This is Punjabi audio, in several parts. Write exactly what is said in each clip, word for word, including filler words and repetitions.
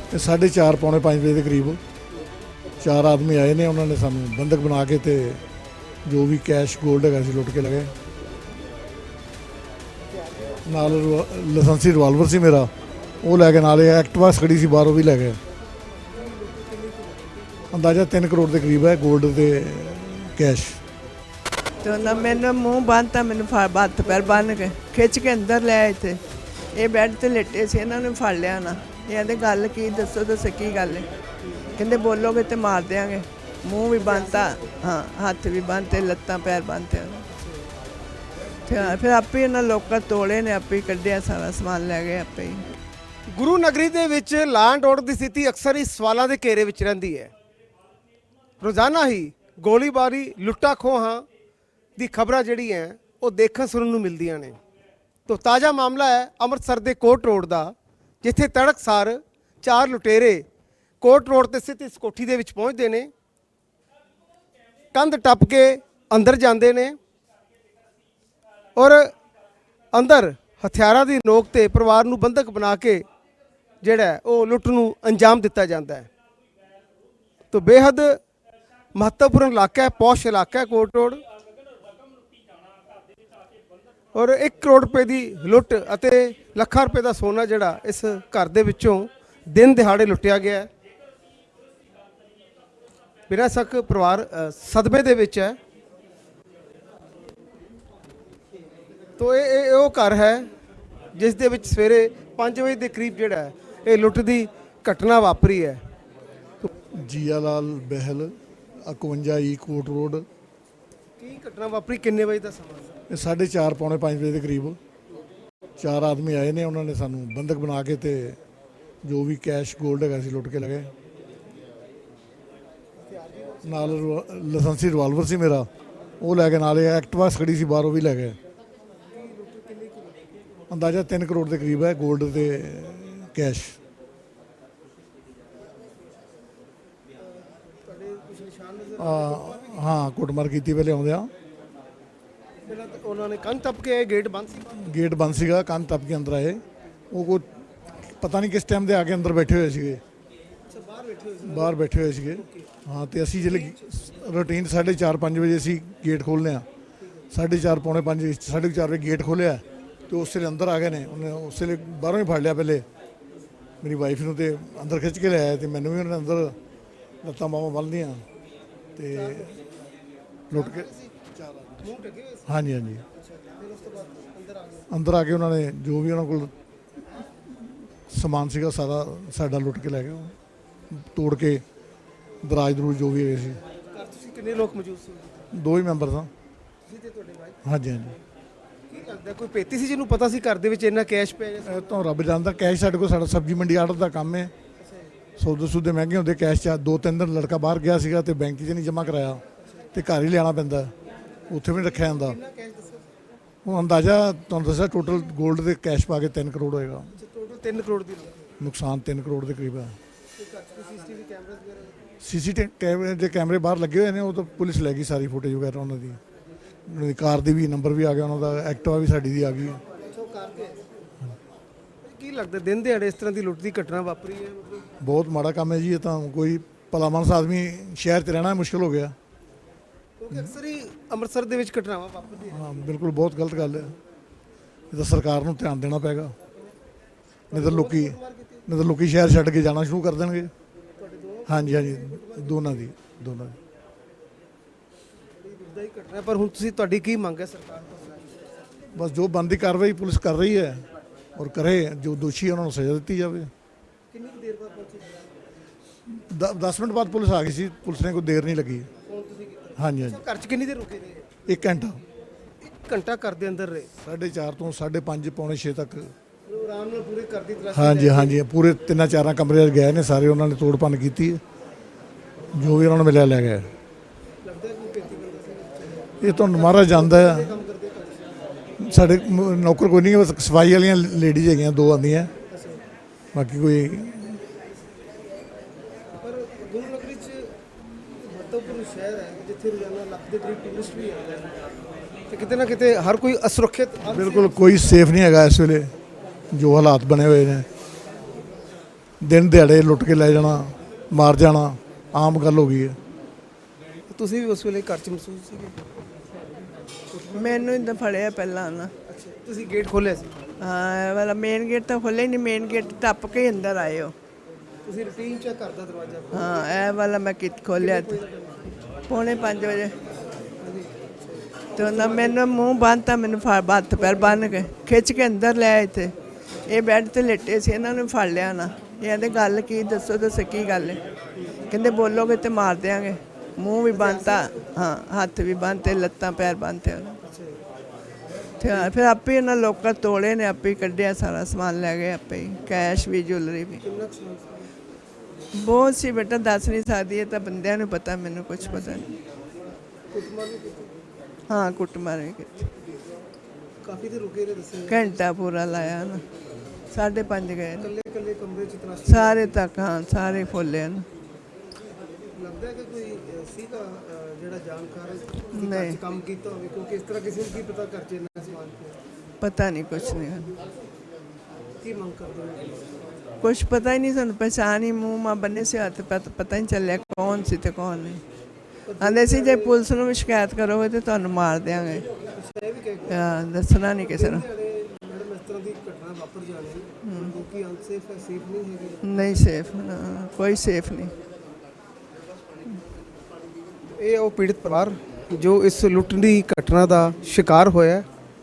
साढ़े चार पौने पाँच बजे के करीब चार आदमी आए ने, उन्होंने सानू बंधक बना के ते जो भी कैश गोल्ड है लुट के लगे। नाल लाइसेंसी रिवाल्वर सी मेरा वो लैके, नाल एक्टिवा खड़ी सी बाहरों भी लैके। अंदाजा तीन करोड़ के करीब है गोल्ड के कैश। तो ना मैंने मुँह बांधता, मैंने हत्थ पैर बन के खिंच के अंदर ले आए थे। ये बैड ते लेटे से, इन्होंने फड़ लिया ना। ये आते गल की दसो दसो की गल है, कहते बोलोगे तो मार देंगे। मूँह भी बंदता, हाँ हत्थ भी बंदते, लत्तां पैर बंदते। फिर आपे इन्होंने लोग तोड़े ने, आपे कढ़िया सारा समान लै गए आपे ही। गुरु नगरी ਦੇ ਵਿੱਚ ਲਾਂ ਐਂਡ ਆਰਡਰ ਦੀ ਸਥਿਤੀ ਅਕਸਰ ਹੀ ਸਵਾਲਾਂ ਦੇ ਘੇਰੇ ਵਿੱਚ ਰਹਿੰਦੀ ਹੈ। ਰੋਜ਼ਾਨਾ ਹੀ ਗੋਲੀਬਾਰੀ, ਲੁੱਟਾਂ ਖੋਹਾਂ ਦੀ ਖਬਰਾਂ ਜਿਹੜੀ ਹੈ ਉਹ ਦੇਖਣ ਸੁਣਨ ਨੂੰ ਮਿਲਦੀਆਂ ਨੇ। तो ताज़ा मामला है ਅੰਮ੍ਰਿਤਸਰ ਦੇ ਕੋਟ रोड ਦਾ, ਜਿੱਥੇ ਤੜਕਸਾਰ ਚਾਰ ਲੁਟੇਰੇ ਕੋਟ रोड ਤੇ ਸਥਿਤ ਇਸ ਕੋਠੀ ਦੇ ਵਿੱਚ ਪਹੁੰਚਦੇ ਨੇ, ਕੰਧ ਟੱਪ ਕੇ ਅੰਦਰ ਜਾਂਦੇ ਨੇ ਔਰ ਅੰਦਰ ਹਥਿਆਰਾਂ ਦੀ ਨੋਕ ਤੇ ਪਰਿਵਾਰ ਨੂੰ ਬੰਧਕ ਬਣਾ ਕੇ ਜਿਹੜਾ ਉਹ ਲੁੱਟ ਨੂੰ ਅੰਜਾਮ ਦਿੱਤਾ ਜਾਂਦਾ ਹੈ। तो बेहद महत्वपूर्ण इलाका है, पौश इलाका है कोट रोड। और एक करोड़ रुपए की लुट ਅਤੇ ਲੱਖਾਂ रुपए का सोना ਜਿਹੜਾ इस घर ਦੇ ਵਿੱਚੋਂ दिन ਦਿਹਾੜੇ ਲੁੱਟਿਆ ਗਿਆ। ਬਿਨਾਂ ਸ਼ੱਕ ਪਰਿਵਾਰ ਸਦਮੇ ਦੇ ਵਿੱਚ ਹੈ। तो ਇਹ ਇਹ ਉਹ ਘਰ ਹੈ ਜਿਸ ਦੇ ਵਿੱਚ ਸਵੇਰੇ ਪੰਜ ਵਜੇ ਦੇ ਕਰੀਬ ਜਿਹੜਾ ਇਹ ਲੁੱਟ ਦੀ ਘਟਨਾ ਵਾਪਰੀ ਹੈ। जिया लाल बहल इकवंजा ई कोट रोड। ਕੀ ਘਟਨਾ ਵਾਪਰੀ, ਕਿੰਨੇ ਵਜੇ ਦਾ ਸਮਾਂ ਸੀ? ये साढ़े चार पौने पाँच बजे के करीब चार आदमी आए ने, उन्होंने सानू बंधक बना के ते जो भी कैश गोल्ड है लुट के लगे। नाल लाइसेंसी रिवाल्वर सी मेरा वो लैके, नाल एक्टिवा खड़ी सी बाहरों भी लैके। अंदाजा तीन करोड़ के करीब है गोल्ड के कैश। हाँ कुटमार की पहले आउंदियां उन्होंने कंध टप के गेट बंद सी गेट बंद सीगा, कंध टप के अंदर आए। वो कोई पता नहीं किस टाइम के आके अंदर बैठे हुए सीगे, बाहर बैठे हुए सीगे। हाँ तो असी जिले रूटीन साढ़े चार पाँच बजे असी गेट खोलने, साढ़े चार पौने पाँच साढ़े चार बजे गेट खोलिया तो उस वे अंदर आ गए ने। उन्हें उस वे बाहरों ही फड़ लिया, पहले मेरी वाइफ नूं ते अंदर खिंच के लिया, तो मैनू भी उन्होंने अंदर लत्तां बाहां बन दियां ते लुट के। हाँ जी हाँ जी, अंदर आके उन्होंने जो भी उन्होंने को समान सीगा सारा साडा लुट के लै गए, तोड़ के दराज दरूज जो भी है। कितने लोग मौजूद सी? दो ही मैंबर था। हाँ जी हाँ जी। ਕੀ ਲੱਗਦਾ ਕੋਈ ਪੇਤੀ ਸੀ ਜਿਹਨੂੰ ਪਤਾ ਸੀ ਘਰ ਦੇ ਵਿੱਚ ਇੰਨਾ ਕੈਸ਼ ਪਿਆ ਹੈ? ਇਹ ਤਾਂ ਰੱਬ ਜਾਣਦਾ। ਕੈਸ਼ ਸਾਡੇ ਕੋਲ, ਸਾਡਾ ਸਬਜ਼ੀ ਮੰਡੀ ਆੜਤ ਦਾ ਕੰਮ ਹੈ। ਸੌਦੇ ਸੂਦੇ ਮਹਿੰਗੇ ਹੁੰਦੇ, ਕੈਸ਼ ਚ ਦੋ ਤਿੰਨ ਦਿਨ ਲੜਕਾ ਬਾਹਰ ਗਿਆ ਸੀਗਾ ਤੇ ਬੈਂਕ 'ਚ ਨਹੀਂ ਜਮ੍ਹਾਂ ਕਰਾਇਆ ਤੇ ਘਰ ਹੀ ਲਿਆਉਣਾ ਪੈਂਦਾ, ਉੱਥੇ ਵੀ ਨਹੀਂ ਰੱਖਿਆ ਜਾਂਦਾ। ਹੁਣ ਅੰਦਾਜ਼ਾ ਤੁਹਾਨੂੰ ਦੱਸਿਆ ਟੋਟਲ ਗੋਲਡ ਦੇ ਕੈਸ਼ ਪਾ ਕੇ ਤਿੰਨ ਕਰੋੜ ਹੋਏਗਾ। ਟੋਟਲ ਤਿੰਨ ਕਰੋੜ ਦੀ ਨੁਕਸਾਨ ਤਿੰਨ ਕਰੋੜ ਦੇ ਕਰੀਬ ਹੈ। ਸੀਸੀਟੀਵੀ ਕੈਮਰੇ ਦੇ ਕੈਮਰੇ ਬਾਹਰ ਲੱਗੇ ਹੋਏ ਨੇ, ਉਹ ਤਾਂ ਪੁਲਿਸ ਲੈ ਗਈ ਸਾਰੀ ਫੁਟੇਜ ਵਗੈਰਾ ਉਹਨਾਂ ਦੀ। ਉਹਨਾਂ ਦੀ ਕਾਰ ਦੀ ਵੀ ਨੰਬਰ ਵੀ ਆ ਗਿਆ, ਉਹਨਾਂ ਦਾ ਐਕਟਿਵਾ ਵੀ ਸਾਡੀ ਦੀ ਆ ਗਈ। ਕੀ ਲੱਗਦਾ ਦਿਨ ਦਿਹਾੜੇ ਇਸ ਤਰ੍ਹਾਂ ਦੀ ਲੁੱਟ ਦੀ ਘਟਨਾ ਵਾਪਰੀ ਹੈ? ਮਤਲਬ ਬਹੁਤ ਮਾੜਾ ਕੰਮ ਹੈ ਜੀ। ਇਹ ਤਾਂ ਕੋਈ ਭਲਾ ਮਾਨਸ ਆਦਮੀ ਸ਼ਹਿਰ 'ਚ ਰਹਿਣਾ ਮੁਸ਼ਕਿਲ ਹੋ ਗਿਆ। ਕਿਉਂਕਿ ਅਕਸਰ ਹੀ ਅੰਮ੍ਰਿਤਸਰ ਦੇ ਵਿੱਚ ਘਟਨਾਵਾਂ ਵਾਪਰਦੀਆਂ। ਹਾਂ ਬਿਲਕੁਲ ਬਹੁਤ ਗਲਤ ਗੱਲ ਹੈ। ਇਹ ਤਾਂ ਸਰਕਾਰ ਨੂੰ ਧਿਆਨ ਦੇਣਾ ਪਏਗਾ, ਨਹੀਂ ਤਾਂ ਲੋਕੀ ਨਹੀਂ ਤਾਂ ਲੋਕੀ ਸ਼ਹਿਰ ਛੱਡ ਕੇ ਜਾਣਾ ਸ਼ੁਰੂ ਕਰ ਦੇਣਗੇ। ਹਾਂਜੀ ਹਾਂਜੀ, ਦੋਨਾਂ ਦੀ ਦੋਨਾਂ ਦੀ ਦੁਖਦਾਈ ਘਟਨਾ। ਪਰ ਹੁਣ ਤੁਸੀਂ ਤੁਹਾਡੀ ਕੀ ਮੰਗ ਹੈ ਸਰਕਾਰ ਤੋਂ? ਬਸ ਜੋ ਬਣਦੀ ਕਾਰਵਾਈ ਪੁਲਿਸ ਕਰ ਰਹੀ ਹੈ ਔਰ ਕਰੇ, ਜੋ ਦੋਸ਼ੀ ਉਹਨਾਂ ਨੂੰ ਸਜ਼ਾ ਦਿੱਤੀ ਜਾਵੇ। ਕਿੰਨੀ ਕੁ ਦੇਰ ਬਾਅਦ ਪਹੁੰਚੀ? ਦਸ ਮਿੰਟ ਬਾਅਦ ਪੁਲਿਸ ਆ ਗਈ ਸੀ, ਪੁਲਿਸ ਨੇ ਕੋਈ ਦੇਰ ਨਹੀਂ ਲੱਗੀ। ਫੋਨ ਤੁਸੀਂ ਕੀਤਾ? ਹਾਂਜੀ ਹਾਂਜੀ, ਘਰ 'ਚ ਕਿੰਨੀ ਦੇਰ ਰੁਕੇ ਰਹੇ? ਇੱਕ ਘੰਟਾ ਇੱਕ ਘੰਟਾ ਘਰ ਦੇ ਅੰਦਰ ਰਹੇ? ਸਾਢੇ ਚਾਰ ਤੋਂ ਸਾਢੇ ਪੰਜ ਪੌਣੇ ਛੇ ਤੱਕ। ਆਰਾਮ ਨਾਲ ਪੂਰੇ ਘਰ ਦੀ ਤਲਾਸ਼ੀ? ਹਾਂਜੀ ਹਾਂਜੀ, ਪੂਰੇ ਤਿੰਨਾਂ ਚਾਰਾਂ ਕਮਰੇ ਗਏ ਨੇ ਸਾਰੇ, ਉਹਨਾਂ ਨੇ ਤੋੜ ਭੰਨ ਕੀਤੀ, ਜੋ ਵੀ ਉਹਨਾਂ ਨੂੰ ਮਿਲਿਆ ਲੈ ਗਏ। ਲੱਗਦਾ ਕੋਈ ਪੇਤੀ ਬੰਦਾ ਸੀ? ਇਹ ਤੁਹਾਨੂੰ ਮਹਾਰਾਜ ਜਾਣਦਾ ਹੈ। ਸਾਡੇ ਮ- ਨੌਕਰ ਕੋਈ ਨਹੀਂ, ਬਸ ਸਫਾਈ ਵਾਲੀਆਂ ਲੇਡੀਜ਼ ਹੈਗੀਆਂ ਦੋ ਆਉਂਦੀਆਂ, ਬਾਕੀ ਕੋਈ। ਪਰ ਗੁਰੂ ਨਗਰੀ 'ਚ ਮਹੱਤਵਪੂਰਨ ਸ਼ਹਿਰ ਹੈ ਜਿੱਥੇ ਰੋਜ਼ਾਨਾ ਲੱਖ ਦੇ ਕਰੀਬ ਟੂਰਿਸਟ ਵੀ ਆਉਂਦੇ ਹਨ ਤੇ ਕਿਤੇ ਨਾ ਕਿਤੇ ਹਰ ਕੋਈ ਅਸੁਰੱਖਿਅਤ। ਬਿਲਕੁਲ ਕੋਈ ਸੇਫ ਨਹੀਂ ਹੈਗਾ ਇਸ ਵੇਲੇ, ਜੋ ਹਾਲਾਤ ਬਣੇ ਹੋਏ ਨੇ। ਦਿਨ ਦਿਹਾੜੇ ਲੁੱਟ ਕੇ ਲੈ ਜਾਣਾ, ਮਾਰ ਜਾਣਾ ਆਮ ਗੱਲ ਹੋ ਗਈ ਹੈ। ਤੁਸੀਂ ਵੀ ਉਸ ਵੇਲੇ ਘਰ 'ਚ ਮਹਿਸੂਸ ਸੀਗੇ? ਮੈਨੂੰ ਇੰਦਾ ਫੜਿਆ ਪਹਿਲਾਂ ਨਾ। ਅੱਛਾ, ਤੁਸੀਂ ਗੇਟ ਖੋਲ੍ਹਿਆ ਸੀ? ਹਾਂ, ਇਹ ਵਾਲਾ ਮੇਨ ਗੇਟ ਤਾਂ ਖੋਲ੍ਹਿਆ ਹੀ ਨਹੀਂ, ਮੇਨ ਗੇਟ ਟੱਪ ਕੇ ਹੀ ਅੰਦਰ ਆਏ ਹੋ। ਤੁਸੀਂ ਰੂਟੀਨ ਚੈੱਕ ਕਰਦਾ ਦਰਵਾਜ਼ਾ? ਹਾਂ, ਇਹ ਵਾਲਾ ਮੈਂ ਕਿਤ ਖੋਲ੍ਹਿਆ ਤੇ ਪੌਣੇ ਪੰਜ ਵਜੇ ਤੇ ਉਹਨਾਂ ਮੈਨੂੰ ਮੂੰਹ ਬੰਨ੍ਹਤਾ, ਮੈਨੂੰ ਫੜ ਹੱਥ ਪੈਰ ਬੰਨ੍ਹ ਕੇ ਖਿੱਚ ਕੇ ਅੰਦਰ ਲੈ ਆਏ ਤੇ ਇਹ ਬੈੱਡ ਤੇ ਲੇਟੇ ਸੀ, ਇਹਨਾਂ ਨੂੰ ਫੜ ਲਿਆ ਨਾ। ਇਹ ਕਹਿੰਦੇ ਗੱਲ ਕੀ, ਦੱਸੋ ਦੱਸੋ ਕੀ ਗੱਲ ਹੈ? ਕਹਿੰਦੇ ਬੋਲੋਗੇ ਤੇ ਮਾਰ ਦਿਆਂਗੇ। ਮੂੰਹ ਵੀ ਬੰਨ੍ਹਤਾ, ਹਾਂ ਹੱਥ ਵੀ ਬੰਨ੍ਹਤੇ, ਲੱਤਾਂ ਪੈਰ ਬੰਨ੍ਹਤੇ ਉਹਨਾਂ ਤੇ ਹਾਂ, ਫਿਰ ਆਪੇ ਉਹਨਾਂ ਲੋਕਾਂ ਤੋੜੇ ਨੇ, ਆਪੇ ਹੀ ਕੱਢਿਆ, ਸਾਰਾ ਸਮਾਨ ਲੈ ਗਏ ਆਪੇ ਹੀ, ਕੈਸ਼ ਵੀ ਜੁਐਲਰੀ ਵੀ ਬਹੁਤ ਸੀ ਬੇਟਾ, ਦੱਸ ਨਹੀਂ ਸਕਦੀ, ਇਹ ਤਾਂ ਬੰਦਿਆਂ ਨੂੰ ਪਤਾ, ਮੈਨੂੰ ਕੁਝ ਪਤਾ ਨਹੀਂ। ਹਾਂ ਕੁੱਟਮਾਰ ਵੀ ਕੀਤੀ, ਕਾਫੀ ਦੇਰ ਰੁਕੇ ਰਹੇ ਦੱਸੇ? ਘੰਟਾ ਪੂਰਾ ਲਾਇਆ ਨਾ, ਸਾਢੇ ਪੰਜ ਗਏ ਨੇ। ਇਕੱਲੇ ਇਕੱਲੇ ਕਮਰੇ 'ਚ ਤਲਾਸ਼ੀ? ਸਾਰੇ ਤੱਕ, ਹਾਂ ਸਾਰੇ ਖੋਲ੍ਹੇ ਨੇ। ਲੱਗਦਾ ਹੈ ਕਿ ਕੋਈ ਅ, ਸੀਗਾ ਅ, ਜਿਹੜਾ ਜਾਣਕਾਰ ਸੀ, ਨਹੀਂ। ਘਰ 'ਚ ਕੰਮ ਕੀਤਾ ਹੋਵੇ, ਕਿਉਂਕਿ ਇਸ ਤਰ੍ਹਾਂ ਕਿਸੇ ਨੂੰ ਕੀ ਪਤਾ ਘਰ 'ਚ ਇੰਨਾ ਸਮਾਨ ਪਿਆ। ਪਤਾ ਨਹੀਂ ਕੁਛ ਨਹੀਂ, ਕੀ ਮੰਗ ਕਰਦੇ ਹੋ? ਕੁਛ ਪਤਾ ਹੀ ਨਹੀਂ ਸਾਨੂੰ, ਪਛਾਣ ਹੀ ਮੂੰਹ ਮਾ ਬੰਨੇ ਸੀ, ਹੱਥ ਪਤ- ਪਤਾ ਹੀ ਨਹੀਂ ਚੱਲਿਆ ਕੌਣ ਸੀ ਤੇ ਕੌਣ ਨਹੀਂ। ਆਂਦੇ ਸੀ ਜੇ ਪੁਲਿਸ ਨੂੰ ਵੀ ਸ਼ਿਕਾਇਤ ਕਰੋਗੇ ਤੇ ਤੁਹਾਨੂੰ ਮਾਰ ਦਿਆਂਗੇ। ਇਹ ਵੀ ਕਹਿ ਹਾਂ, ਦੱਸਣਾ ਨਹੀਂ ਕਿਸੇ ਨੂੰ। ਮੈਡਮ ਇਸ ਤਰ੍ਹਾਂ ਦੀ ਘਟਨਾ ਵਾਪਰ ਜਾਣੀ, ਲੋਕੀ ਅਨਸੇਫ ਹੈ, ਸੇਫ ਨਹੀਂ ਹੈਗੇ। ਨਹੀਂ ਸੇਫ, ਨਾ ਕੋਈ ਸੇਫ ਨਹੀਂ। ਇਹ ਉਹ ਪੀੜਤ ਪਰਿਵਾਰ ਜੋ ਇਸ ਲੁੱਟ ਦੀ ਘਟਨਾ ਦਾ ਸ਼ਿਕਾਰ ਹੋਇਆ।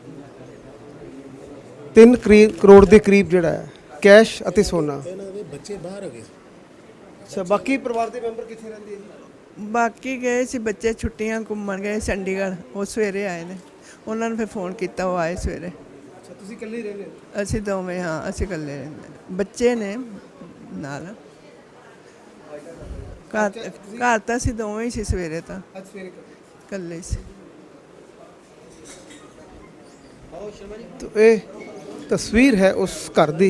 ਤਿੰਨ ਕਰੋੜ ਦੇ ਕਰੀਬ ਜਿਹੜਾ ਹੈ ਕੈਸ਼ ਅਤੇ ਸੋਨਾ। ਇਹਨਾਂ ਦੇ ਬੱਚੇ ਬਾਹਰ ਹੋ ਗਏ। ਅੱਛਾ, ਬਾਕੀ ਪਰਿਵਾਰ ਦੇ ਮੈਂਬਰ ਕਿੱਥੇ ਰਹਿੰਦੇ ਹੈ? ਬਾਕੀ ਗਏ ਸੀ ਬੱਚੇ, ਛੁੱਟੀਆਂ ਘੁੰਮਣ ਗਏ ਚੰਡੀਗੜ੍ਹ, ਉਹ ਸਵੇਰੇ ਆਏ ਨੇ। ਉਹਨਾਂ ਨੂੰ ਫਿਰ ਫੋਨ ਕੀਤਾ, ਉਹ ਆਏ ਸਵੇਰੇ। ਅੱਛਾ, ਤੁਸੀਂ ਇਕੱਲੇ ਹੀ ਰਹਿੰਦੇ ਹੋ? ਅਸੀਂ ਦੋਵੇਂ, ਹਾਂ ਅਸੀਂ ਇਕੱਲੇ ਰਹਿੰਦੇ, ਬੱਚੇ ਨੇ ਨਾਲ। ਘਰ ਘਰ ਤਾਂ ਅਸੀਂ ਦੋਵੇਂ ਹੀ ਸੀ ਸਵੇਰੇ, ਤਾਂ ਅੱਜ ਸਵੇਰੇ ਇਕੱਲੇ ਸੀ। ਤੋ ਇਹ ਤਸਵੀਰ ਹੈ ਉਸ ਘਰ ਦੀ,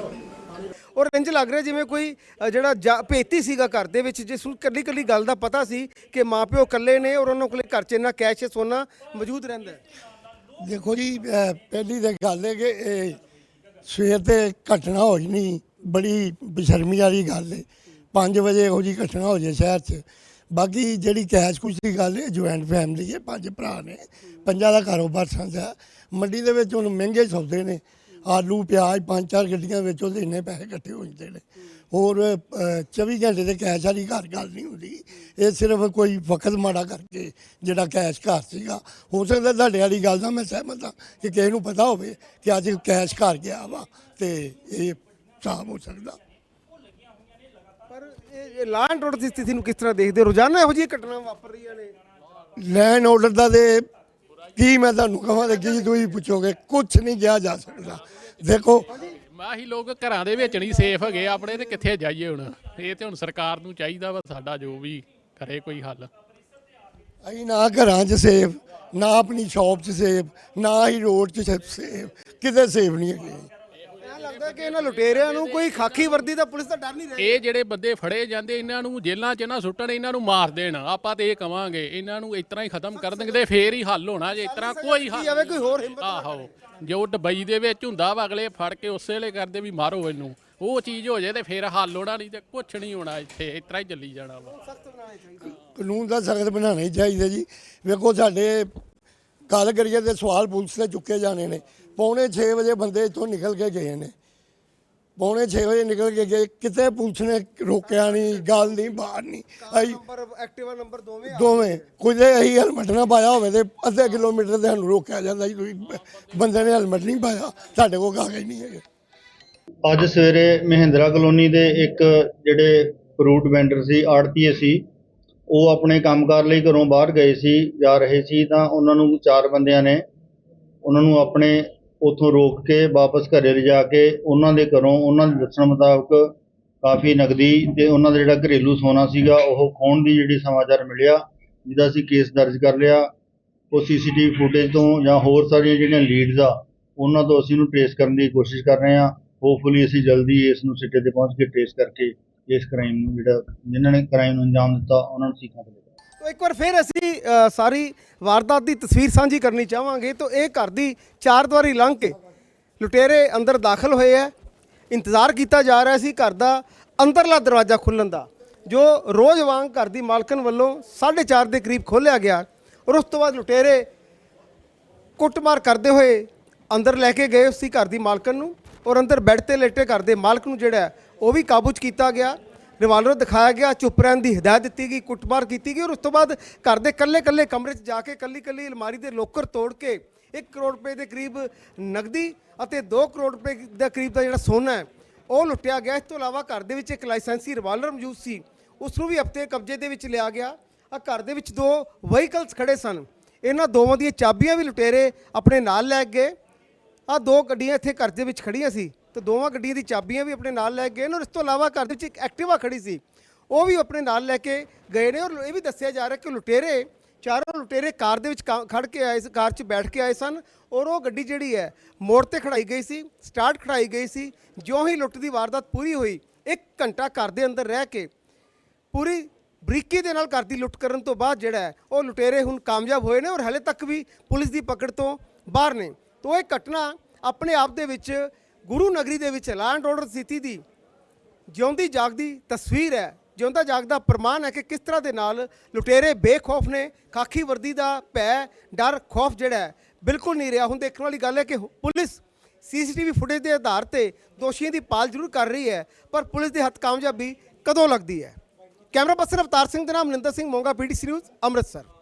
ਔਰ ਇੰਜ ਲੱਗ ਰਿਹਾ ਜਿਵੇਂ ਕੋਈ ਅ, ਜਿਹੜਾ ਜਾ- ਭੇਤੀ ਸੀਗਾ ਘਰ ਦੇ ਵਿੱਚ, ਜਿਸ ਨੂੰ ਕੱਲੀ ਕੱਲੀ ਗੱਲ ਦਾ ਪਤਾ ਸੀ ਕਿ ਮਾਪਿਓ ਇਕੱਲੇ ਨੇ ਔਰ ਉਹਨਾਂ ਕੋਲੇ ਘਰ 'ਚ ਇੰਨਾ ਕੈਸ਼ ਸੋਨਾ ਮੌਜੂਦ ਰਹਿੰਦਾ ਹੈ। ਦੇਖੋ ਜੀ, ਅਹ ਪਹਿਲੀ ਤਾਂ ਗੱਲ ਹੈ ਕਿ ਇਹ ਸਵੇਰ ਤੇ ਘਟਨਾ ਹੋਈ ਨਹੀਂ, ਬੜੀ ਬੇਸ਼ਰਮੀ ਵਾਲੀ ਗੱਲ ਹੈ। ਪੰਜ ਵਜੇ ਇਹੋ ਜਿਹੀ ਘਟਨਾ ਹੋ ਜਾਏ ਸ਼ਹਿਰ 'ਚ। ਬਾਕੀ ਜਿਹੜੀ ਕੈਸ਼ ਕੁਛ ਦੀ ਗੱਲ ਹੈ, ਜੁਆਇੰਟ ਫੈਮਿਲੀ ਹੈ, ਪੰਜ ਭਰਾ ਨੇ, ਪੰਜਾਂ ਦਾ ਕਾਰੋਬਾਰ ਸਾਂਝਾ। ਮੰਡੀ ਦੇ ਵਿੱਚ ਹੁਣ ਮਹਿੰਗੇ ਸੌਦੇ ਨੇ, ਆਲੂ ਪਿਆਜ਼ ਪੰਜ ਚਾਰ ਗੱਡੀਆਂ ਵਿੱਚ ਉਹਦੇ ਇੰਨੇ ਪੈਸੇ ਇਕੱਠੇ ਹੋ ਜਾਂਦੇ ਨੇ। ਹੋਰ ਅਹ, ਚੌਵੀ ਘੰਟੇ ਦੇ ਕੈਸ਼ ਵਾਲੀ ਘਰ ਗੱਲ ਨਹੀਂ ਹੁੰਦੀ। ਇਹ ਸਿਰਫ ਕੋਈ ਵਕਤ ਮਾੜਾ ਕਰਕੇ ਜਿਹੜਾ ਕੈਸ਼ ਘਰ ਸੀਗਾ। ਹੋ ਸਕਦਾ ਤੁਹਾਡੇ ਵਾਲੀ ਗੱਲ ਦਾ ਮੈਂ ਸਹਿਮਤ ਹਾਂ ਕਿ ਕਿਸੇ ਨੂੰ ਪਤਾ ਹੋਵੇ ਕਿ ਅੱਜ ਕੈਸ਼ ਘਰ ਗਿਆ ਵਾ ਤੇ ਇਹ ਸਾਫ਼ ਹੋ ਸਕਦਾ। ਪਰ ਇਹ ਲਾਅ ਐਂਡ ਆਰਡਰ ਦੀ ਸਥਿਤੀ ਨੂੰ ਕਿਸ ਤਰ੍ਹਾਂ ਦੇਖਦੇ ਹੋ? ਰੋਜ਼ਾਨਾ ਇਹੋ ਜਿਹੀਆਂ ਘਟਨਾਵਾਂ ਵਾਪਰ ਰਹੀਆਂ ਨੇ। ਲੈਂਡ ਆਰਡਰ ਦਾ ਤੇ ਕੀ ਮੈਂ ਤੁਹਾਨੂੰ ਕਹਾਂ ਤੇ ਕੀ ਤੁਸੀਂ ਪੁੱਛੋਗੇ, ਕੁਛ ਨਹੀਂ ਕਿਹਾ ਜਾ ਸਕਦਾ। ਦੇਖੋ ਮਾਹੀ ਲੋਕ ਘਰਾਂ ਦੇ ਵਿੱਚ ਨਹੀਂ ਸੇਫ ਹੈਗੇ ਆਪਣੇ, ਤੇ ਕਿੱਥੇ ਜਾਈਏ ਹੁਣ? ਇਹ ਤੇ ਹੁਣ ਸਰਕਾਰ ਨੂੰ ਚਾਹੀਦਾ ਵਾ ਸਾਡਾ ਜੋ ਵੀ ਕਰੇ ਕੋਈ ਹੱਲ। ਅਸੀਂ ਨਾ ਘਰਾਂ 'ਚ ਸੇਫ, ਨਾ ਆਪਣੀ ਸ਼ਾਪ 'ਚ ਸੇਫ, ਨਾ ਹੀ ਰੋਡ 'ਚ ਸੇਫ, ਕਿਤੇ ਸੇਫ ਨਹੀਂ ਹੈਗੇ। ਇਹ ਲੱਗਦਾ ਕਿ ਇਹਨਾਂ ਲੁਟੇਰਿਆਂ ਨੂੰ ਕੋਈ ਖਾਕੀ ਵਰਦੀ ਦਾ ਪੁਲਿਸ ਦਾ ਡਰ ਨਹੀਂ ਰਿਹਾ। ਇਹ ਜਿਹੜੇ ਬੰਦੇ ਫੜੇ ਜਾਂਦੇ, ਇਹਨਾਂ ਨੂੰ ਜੇਲ੍ਹਾਂ 'ਚ ਨਾ ਸੁੱਟਣ, ਇਹਨਾਂ ਨੂੰ ਮਾਰ ਦੇਣ। ਆਪਾਂ ਤੇ ਇਹ ਕਵਾਂਗੇ ਇਹਨਾਂ ਨੂੰ ਇਸ ਤਰ੍ਹਾਂ ਹੀ ਖਤਮ ਕਰ ਦੇਣਗੇ ਤੇ ਫੇਰ ਹੀ ਹੱਲ ਹੋਣਾ। ਜੇ ਇਸ ਤਰ੍ਹਾਂ ਕੋਈ ਹੱਲ ਜਾਵੇ ਕੋਈ ਹੋਰ ਹਿੰਮਤ। ਆਹੋ, ਜੋ ਦੁਬਈ ਦੇ ਵਿੱਚ ਹੁੰਦਾ ਵਾ, ਅਗਲੇ ਫੜ ਕੇ ਉਸੇ ਵੇਲੇ ਕਰਦੇ ਵੀ ਮਾਰੋ ਇਹਨੂੰ, ਉਹ ਚੀਜ਼ ਹੋ ਜਾਏ ਤੇ ਫੇਰ ਹੱਲ ਹੋਣਾ, ਨਹੀਂ ਤੇ ਕੁਛ ਨਹੀਂ ਹੋਣਾ। ਇੱਥੇ ਇਸ ਤਰ੍ਹਾਂ ਹੀ ਚੱਲੀ ਜਾਣਾ ਵਾ। ਕਾਨੂੰਨ ਦਾ ਸਖਤ ਬਣਾਉਣਾ ਹੀ ਚਾਹੀਦਾ ਜੀ। ਵੇਖੋ ਸਾਡੇ ਗੱਲ ਕਰੀਏ ਤੇ ਸਵਾਲ ਪੁਲਿਸ ਤੇ ਚੁੱਕੇ ਜਾਣੇ ਨੇ। ਪੌਣੇ ਛੇ ਵਜੇ ਬੰਦੇ ਇੱਥੋਂ ਨਿਕਲ ਕੇ ਗਏ ਨੇ, ਪੌਣੇ ਛੇ ਵਜੇ ਨਿਕਲ ਕੇ ਗਏ, ਕਿਤੇ ਪੁਲਿਸ ਨੇ ਰੋਕਿਆ ਨਹੀਂ, ਗੱਲ ਨਹੀਂ, ਬਾਹਰ ਨਹੀਂ। ਅਸੀਂ ਨੰਬਰ ਐਕਟਿਵਾ ਨੰਬਰ ਦੋਵੇਂ ਦੋਵੇਂ ਕੁਝ ਅਸੀਂ ਹੈਲਮਟ ਨਾ ਪਾਇਆ ਹੋਵੇ ਤੇ ਅੱਧੇ ਕਿਲੋਮੀਟਰ ਤੇ ਸਾਨੂੰ ਰੋਕਿਆ ਜਾਂਦਾ ਜੀ, ਤੁਸੀਂ ਬੰਦੇ ਨੇ ਹੈਲਮਟ ਨਹੀਂ ਪਾਇਆ, ਸਾਡੇ ਕੋਲ ਕਾਗਜ਼ ਨਹੀਂ ਹੈਗੇ। ਅੱਜ ਸਵੇਰੇ ਮਹਿੰਦਰਾ ਕਲੋਨੀ ਦੇ ਇੱਕ ਜਿਹੜੇ ਫਰੂਟ ਵੈਂਡਰ ਸੀ, ਆੜਤੀਏ ਸੀ, ਉਹ ਆਪਣੇ ਕੰਮਕਾਰ ਲਈ ਘਰੋਂ ਬਾਹਰ ਗਏ ਸੀ, ਜਾ ਰਹੇ ਸੀ ਤਾਂ ਉਹਨਾਂ ਨੂੰ ਚਾਰ ਬੰਦਿਆਂ ਨੇ ਉਹਨਾਂ ਨੂੰ ਆਪਣੇ ਉੱਥੋਂ ਰੋਕ ਕੇ ਵਾਪਸ ਘਰੇ ਲਿਜਾ ਕੇ ਉਹਨਾਂ ਦੇ ਘਰੋਂ ਉਹਨਾਂ ਦੇ ਦੱਸਣ ਮੁਤਾਬਕ ਕਾਫੀ ਨਕਦੀ ਤੇ ਉਹਨਾਂ ਦਾ ਜਿਹੜਾ ਘਰੇਲੂ ਸੋਨਾ ਸੀਗਾ ਉਹ ਖੋਹਣ ਦੀ ਜਿਹੜੀ ਸਮਾਚਾਰ ਮਿਲਿਆ, ਜਿਹਦਾ ਅਸੀਂ ਕੇਸ ਦਰਜ ਕਰ ਲਿਆ। ਉਹ ਸੀਸੀਟੀਵੀ ਫੁਟੇਜ ਤੋਂ ਜਾਂ ਹੋਰ ਸਾਰੀਆਂ ਜਿਹੜੀਆਂ ਲੀਡਸ ਆ ਉਹਨਾਂ ਤੋਂ ਅਸੀਂ ਇਹਨੂੰ ਟ੍ਰੇਸ ਕਰਨ ਦੀ ਕੋਸ਼ਿਸ਼ ਕਰ ਰਹੇ ਹਾਂ। ਹੋਪਫੁਲੀ ਅਸੀਂ ਜਲਦੀ ਇਸ ਨੂੰ ਸਿੱਟੇ ਤੇ ਪਹੁੰਚ ਕੇ ਟ੍ਰੇਸ ਕਰਕੇ ਇਸ ਕ੍ਰਾਈਮ ਨੂੰ, ਜਿਹੜਾ ਜਿਨ੍ਹਾਂ ਨੇ ਕ੍ਰਾਈਮ ਨੂੰ ਅੰਜਾਮ ਦਿੱਤਾ, ਉਹਨਾਂ ਨੂੰ ਸਿੱਖਾਂ ਤੇ ਤੋ ਇੱਕ ਵਾਰ ਫਿਰ ਅਸੀਂ ਅ, ਸਾਰੀ ਵਾਰਦਾਤ ਦੀ ਤਸਵੀਰ ਸਾਂਝੀ ਕਰਨੀ ਚਾਹਾਂਗੇ। ਤਾਂ ਇਹ ਘਰ ਦੀ ਚਾਰ ਦੀਵਾਰੀ ਲੰਘ ਕੇ ਲੁਟੇਰੇ ਅੰਦਰ ਦਾਖਲ ਹੋਏ ਹੈ। ਇੰਤਜ਼ਾਰ ਕੀਤਾ ਜਾ ਰਿਹਾ ਸੀ ਘਰ ਦਾ ਅੰਦਰਲਾ ਦਰਵਾਜ਼ਾ ਖੁੱਲ੍ਹਣ ਦਾ, ਜੋ ਰੋਜ਼ ਵਾਂਗ ਘਰ ਦੀ ਮਾਲਕਣ ਵੱਲੋਂ ਸਾਢੇ ਚਾਰ ਦੇ ਕਰੀਬ ਖੋਲ੍ਹਿਆ ਗਿਆ ਔਰ ਉਸ ਤੋਂ ਬਾਅਦ ਲੁਟੇਰੇ ਕੁੱਟਮਾਰ ਕਰਦੇ ਹੋਏ ਅੰਦਰ ਲੈ ਕੇ ਗਏ ਉਸੀ ਘਰ ਦੀ ਮਾਲਕਣ ਨੂੰ ਔਰ ਅੰਦਰ ਬੈੱਡ ਤੇ ਲੇਟੇ ਘਰ ਦੇ ਮਾਲਕ ਨੂੰ ਜਿਹੜਾ ਹੈ ਉਹ ਵੀ ਕਾਬੂ 'ਚ ਕੀਤਾ ਗਿਆ। ਰਿਵਾਲਵਰ ਦਿਖਾਇਆ ਗਿਆ, ਚੁੱਪ ਰਹਿਣ ਦੀ ਹਦਾਇਤ ਦਿੱਤੀ ਗਈ, ਕੁੱਟਮਾਰ ਕੀਤੀ ਗਈ ਔਰ ਉਸ ਤੋਂ ਬਾਅਦ ਘਰ ਦੇ ਕੱਲੇ ਕੱਲੇ ਕਮਰੇ 'ਚ ਜਾ ਕੇ ਕੱਲੀ ਕੱਲੀ ਅਲਮਾਰੀ ਦੇ ਲੋਕਰ ਤੋੜ ਕੇ ਇੱਕ ਕਰੋੜ ਰੁਪਏ ਦੇ ਕਰੀਬ ਨਗਦੀ ਅਤੇ ਦੋ ਕਰੋੜ ਰੁਪਏ ਦਾ ਕਰੀਬ ਦਾ ਜਿਹੜਾ ਸੋਨਾ ਹੈ ਉਹ ਲੁੱਟਿਆ ਗਿਆ। ਇਸ ਤੋਂ ਇਲਾਵਾ ਘਰ ਦੇ ਵਿੱਚ ਇੱਕ ਲਾਇਸੈਂਸੀ ਰਿਵਾਲਵਰ ਮੌਜੂਦ ਸੀ, ਉਸ ਨੂੰ ਵੀ ਹਫ਼ਤੇ ਕਬਜ਼ੇ ਦੇ ਵਿੱਚ ਲਿਆ ਗਿਆ। ਆ ਘਰ ਦੇ ਵਿੱਚ ਦੋ ਵਹੀਕਲਸ ਖੜੇ ਸਨ, ਇਹਨਾਂ ਦੋਵਾਂ ਦੀਆਂ ਚਾਬੀਆਂ ਵੀ ਲੁਟੇਰੇ ਆਪਣੇ ਨਾਲ ਲੈ ਗਏ। ਆ ਦੋ ਗੱਡੀਆਂ ਇੱਥੇ ਘਰ ਦੇ ਵਿੱਚ ਖੜੀਆਂ ਸੀ ਤੇ ਦੋਵਾਂ ਗੱਡੀਆਂ ਦੀ ਚਾਬੀਆਂ ਵੀ ਆਪਣੇ ਨਾਲ ਲੈ ਗਏ ਨੇ ਔਰ ਇਸ ਤੋਂ ਇਲਾਵਾ ਘਰ ਦੇ ਵਿੱਚ ਇੱਕ ਐਕਟਿਵਾ ਖੜੀ ਸੀ, ਉਹ ਵੀ ਆਪਣੇ ਨਾਲ ਲੈ ਕੇ ਗਏ ਨੇ। ਔਰ ਇਹ ਵੀ ਦੱਸਿਆ ਜਾ ਰਿਹਾ ਕਿ ਲੁਟੇਰੇ ਚਾਰੋਂ ਲੁਟੇਰੇ ਕਾਰ ਦੇ ਵਿੱਚ ਖੜ ਕੇ ਆਏ, ਕਾਰ 'ਚ ਬੈਠ ਕੇ ਆਏ ਸਨ ਔਰ ਉਹ ਗੱਡੀ ਜਿਹੜੀ ਹੈ ਮੋੜ ਤੇ ਖੜਾਈ ਗਈ ਸੀ, ਸਟਾਰਟ ਖੜਾਈ ਗਈ ਸੀ। ਜਿਉਂ ਹੀ ਲੁੱਟ ਦੀ ਵਾਰਦਾਤ ਪੂਰੀ ਹੋਈ, ਇੱਕ ਘੰਟਾ ਘਰ ਦੇ ਅੰਦਰ ਰਹਿ ਕੇ ਪੂਰੀ ਬਰੀਕੀ ਦੇ ਨਾਲ ਘਰ ਦੀ ਲੁੱਟ ਕਰਨ ਤੋਂ ਬਾਅਦ ਜਿਹੜਾ ਹੈ ਉਹ ਲੁਟੇਰੇ ਹੁਣ ਕਾਮਯਾਬ ਹੋਏ ਨੇ ਔਰ ਹਾਲੇ ਤੱਕ ਵੀ ਪੁਲਿਸ ਦੀ ਪਕੜ ਤੋਂ ਬਾਹਰ ਨੇ। ਤੋਂ ਇਹ ਘਟਨਾ ਆਪਣੇ ਆਪ ਦੇ ਵਿੱਚ ਗੁਰੂ ਨਗਰੀ ਦੇ ਵਿੱਚ ਲਾਅ ਐਂਡ ਆਰਡਰ ਸਥਿਤੀ ਦੀ ਜਿਉਂਦੀ ਜਾਗਦੀ ਤਸਵੀਰ ਹੈ, ਜਿਉਂਦਾ ਜਾਗਦਾ ਪ੍ਰਮਾਣ ਹੈ ਕਿ ਕਿਸ ਤਰ੍ਹਾਂ ਦੇ ਨਾਲ ਲੁਟੇਰੇ ਬੇਖੌਫ ਨੇ। ਖਾਕੀ ਵਰਦੀ ਦਾ ਭੈ, ਡਰ, ਖੌਫ ਜਿਹੜਾ ਹੈ ਬਿਲਕੁਲ ਨਹੀਂ ਰਿਹਾ। ਹੁਣ ਦੇਖਣ ਵਾਲੀ ਗੱਲ ਹੈ ਕਿ ਪੁਲਿਸ ਸੀਸੀਟੀਵੀ ਫੁਟੇਜ ਦੇ ਆਧਾਰ ਤੇ ਦੋਸ਼ੀਆਂ ਦੀ ਭਾਲ ਜ਼ਰੂਰ ਕਰ ਰਹੀ ਹੈ, ਪਰ ਪੁਲਿਸ ਦੇ ਹੱਥ ਕਾਮਯਾਬੀ ਕਦੋਂ ਲੱਗਦੀ ਹੈ। ਕੈਮਰਾ ਪਰਸਨ ਅਵਤਾਰ ਸਿੰਘ ਦੇ ਨਾਮ ਮਨਿੰਦਰ ਸਿੰਘ ਮੋਂਗਾ, ਪੀਟੀਸੀ ਨਿਊਜ਼ ਅੰਮ੍ਰਿਤਸਰ।